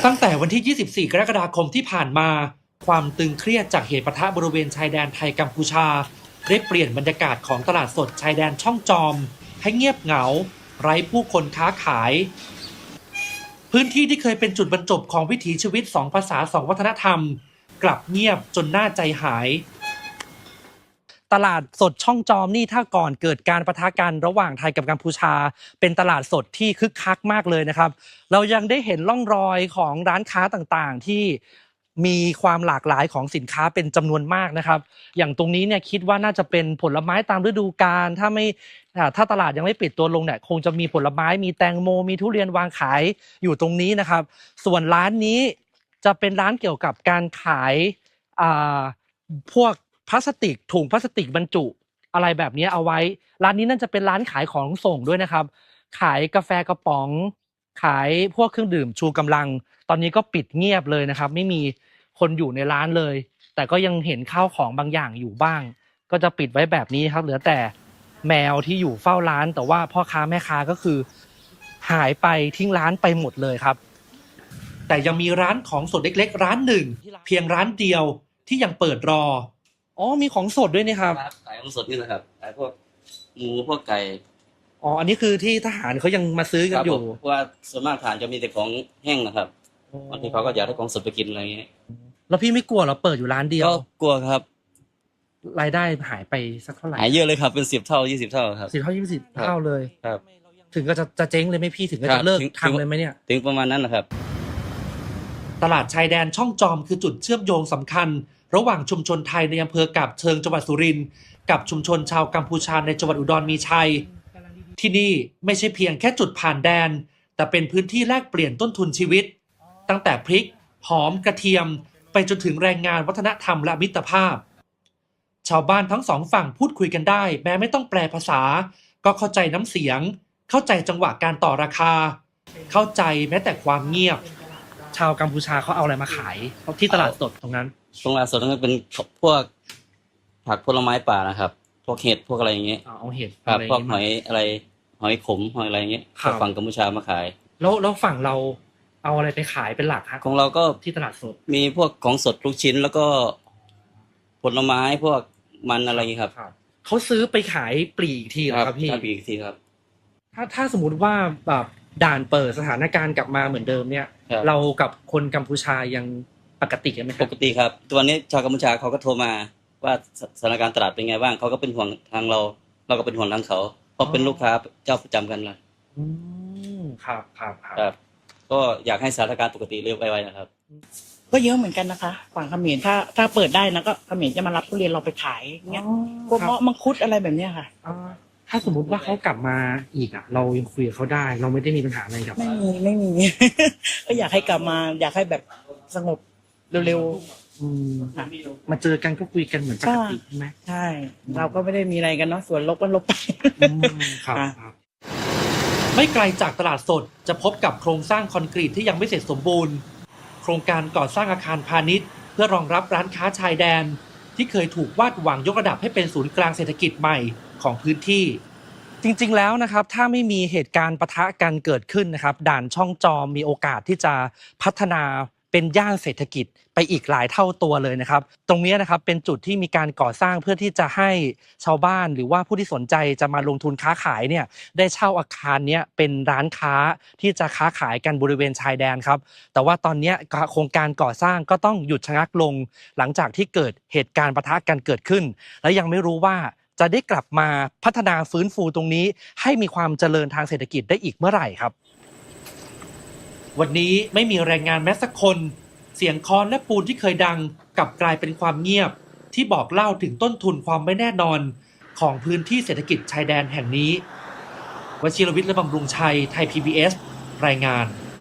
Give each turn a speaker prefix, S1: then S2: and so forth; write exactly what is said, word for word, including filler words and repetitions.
S1: ตั้งแต่วันที่ ยี่สิบสี่ กรกฎาคมที่ผ่านมาความตึงเครียดจากเหตุปะทะบริเวณชายแดนไทยกัมพูชาได้เปลี่ยนบรรยากาศของตลาดสดชายแดนช่องจอมให้เงียบเหงาไร้ผู้คนค้าขายพื้นที่ที่เคยเป็นจุดบรรจบของวิถีชีวิตสองภาษาสองวัฒนธรรมกลับเงียบจนน่าใจหายตลาดสดช่องจอมนี่ถ้าก่อนเกิดการปะทะกันระหว่างไทยกับกัมพูชาเป็นตลาดสดที่คึกคักมากเลยนะครับเรายังได้เห็นร่องรอยของร้านค้าต่างๆที่มีความหลากหลายของสินค้าเป็นจำนวนมากนะครับอย่างตรงนี้เนี่ยคิดว่าน่าจะเป็นผลไม้ตามฤดูกาลถ้าไม่ถ้าตลาดยังไม่ปิดตัวลงเนี่ยคงจะมีผลไม้มีแตงโมมีทุเรียนวางขายอยู่ตรงนี้นะครับส่วนร้านนี้จะเป็นร้านเกี่ยวกับการขายอ่าพวกพลาสติกถุงพลาสติกบรรจุอะไรแบบนี้เอาไว้ร้านนี้น่าจะเป็นร้านขายของส่งด้วยนะครับขายกาแฟกระป๋องขายพวกเครื่องดื่มชูกำลังตอนนี้ก็ปิดเงียบเลยนะครับไม่มีคนอยู่ในร้านเลยแต่ก็ยังเห็นข้าวของบางอย่างอยู่บ้างก็จะปิดไว้แบบนี้ครับเหลือแต่แมวที่อยู่เฝ้าร้านแต่ว่าพ่อค้าแม่ค้าก็คือหายไปทิ้งร้านไปหมดเลยครับแต่ยังมีร้านของสดเล็กๆร้านหนึ่งเพียงร้านเดียวที่ยังเปิดรออ๋อมีของสดด้วยนี่ครับ
S2: ขายของสดนี่นะครับขายพวกหมูพวกไก่
S1: อ๋ออันนี้คือที่ทหารเขายังมาซื้อกันอยู่
S2: เพราะว่าส่วนมากทหารจะมีแต่ของแห้งนะครับบางทีเขาก็อยากได้ของสดไปกินอะไรอย่างเงี้ย
S1: แล้วพี่ไม่กลัวเหรอเปิดอยู่ร้านเดียว
S2: ก็กลัวครับ
S1: รายได้หายไปสักเท่าไหร่
S2: หายเยอะเลยครับเป็นสิบเท่ายี่สิบเท่าครับ
S1: สิบเท่ายี่สิบเท่าเลย
S2: ครับ
S1: ถึงก็จะจะเจ๊งเลยไหมพี่ถึงก็จะเลิกทำเลยไหมเนี่ย
S2: ถึงประมาณนั้นนะครับ
S1: ตลาดชายแดนช่องจอมคือจุดเชื่อมโยงสำคัญระหว่างชุมชนไทยในอำเภอกาบเชิงจังหวัดสุรินทร์กับชุมชนชาวกัมพูชาในจังหวัดอุดรมีชัยที่นี่ไม่ใช่เพียงแค่จุดผ่านแดนแต่เป็นพื้นที่แลกเปลี่ยนต้นทุนชีวิตตั้งแต่พริกหอมกระเทียมไปจนถึงแรงงานวัฒนธรรมและมิตรภาพชาวบ้านทั้งสองฝั่งพูดคุยกันได้แม้ไม่ต้องแปลภาษาก็เข้าใจน้ำเสียงเข้าใจจังหวะการต่อราคาเข้าใจแม้แต่ความเงียบชาวกัมพูชาเขาเอาอะไรมาขายที่ตลาดสดตรงนั้น
S2: ตรงตลาดสดนั้นเป็นพวกผักผลไม้ป่านะครับพวกเห็ดพวกอะไรอย่างเงี้ย
S1: เอาเห็ด
S2: ครับพวกหอยอะไรหอยขมหอยอะไรอย่างเงี้ยฝั่งกัมพูชามาขาย
S1: แล้วแล้วฝั่งเราเอาอะไรไปขายเป็นหลักครับ
S2: ของเราก็
S1: ที่ตลาดสด
S2: มีพวกของสดลูกชิ้นแล้วก็ผลไม้พวกมันอะไรอย่างเงี้ยครับ
S1: เขาซื้อไปขายปลีกทีเหรอครับพี่
S2: ปลีกทีครับ
S1: ถ้าถ้าสมมติว่าแบบด่านเปิดสถานการณ์กลับมาเหมือนเดิมเนี่ยเรากับคนกัมพูชายังปกติกันไหม
S2: ปกติครับตัวนี้ชาวกัมพูชาเขาก็โทรมาว่าสถานการณ์ตลาดเป็นไงบ้างเขาก็เป็นห่วงทางเราเราก็เป็นห่วงทางเขาเพราะเป็นลูกค้าเจ้าประจำกันเลย
S1: อืมครับครับ
S2: ครับก็อยากให้สถานการณ์ปกติเร็วไปๆนะครับ
S3: ก็เยอะเหมือนกันนะคะฝั่งเขมรถ้าถ้าเปิดได้นะก็เขมรจะมารับทุเรียนเราไปขายเงี้ยพวกเงาะมังคุดอะไรแบบเนี้ยค่ะ
S1: ถ้าสมมติว่าเขากลับมาอีกอ่ะเรายังคุยกับเขาได้เราไม่ได้มีปัญหาอะไรกับ
S3: ไม่มีไม่มีก็อยากให้กลับมาอยากให้แบบสงบเร็ว
S1: ๆมาเจอกันก็คุยกันเหมือนปกติใช่ไหม
S3: ใช่เราก็ไม่ได้มีอะไรกันเนาะส่วนลบก็ลบไป
S1: ครับไม่ไกลจากตลาดสดจะพบกับโครงสร้างคอนกรีตที่ยังไม่เสร็จสมบูรณ์โครงการก่อสร้างอาคารพาณิชย์เพื่อรองรับร้านค้าชายแดนที่เคยถูกวาดหวังยกระดับให้เป็นศูนย์กลางเศรษฐกิจใหม่ของพื้นที่จริงๆแล้วนะครับถ้าไม่มีเหตุการณ์ปะทะกันเกิดขึ้นนะครับด่านช่องจอมมีโอกาสที่จะพัฒนาเป็นย่านเศรษฐกิจไปอีกหลายเท่าตัวเลยนะครับตรงนี้นะครับเป็นจุดที่มีการก่อสร้างเพื่อที่จะให้ชาวบ้านหรือว่าผู้ที่สนใจจะมาลงทุนค้าขายเนี่ยได้เช่าอาคารนี้เป็นร้านค้าที่จะค้าขายกันบริเวณชายแดนครับแต่ว่าตอนนี้โครงการก่อสร้างก็ต้องหยุดชะงักลงหลังจากที่เกิดเหตุการณ์ปะทะกันเกิดขึ้นและยังไม่รู้ว่าจะได้กลับมาพัฒนาฟื้นฟูตรงนี้ให้มีความเจริญทางเศรษฐกิจได้อีกเมื่อไหร่ครับวันนี้ไม่มีแรงงานแม้สักคนเสียงค้อนและปูนที่เคยดังกลับกลายเป็นความเงียบที่บอกเล่าถึงต้นทุนความไม่แน่นอนของพื้นที่เศรษฐกิจชายแดนแห่งนี้วชิรวิทย์และบำรุงชัยไทย พี บี เอส รายงาน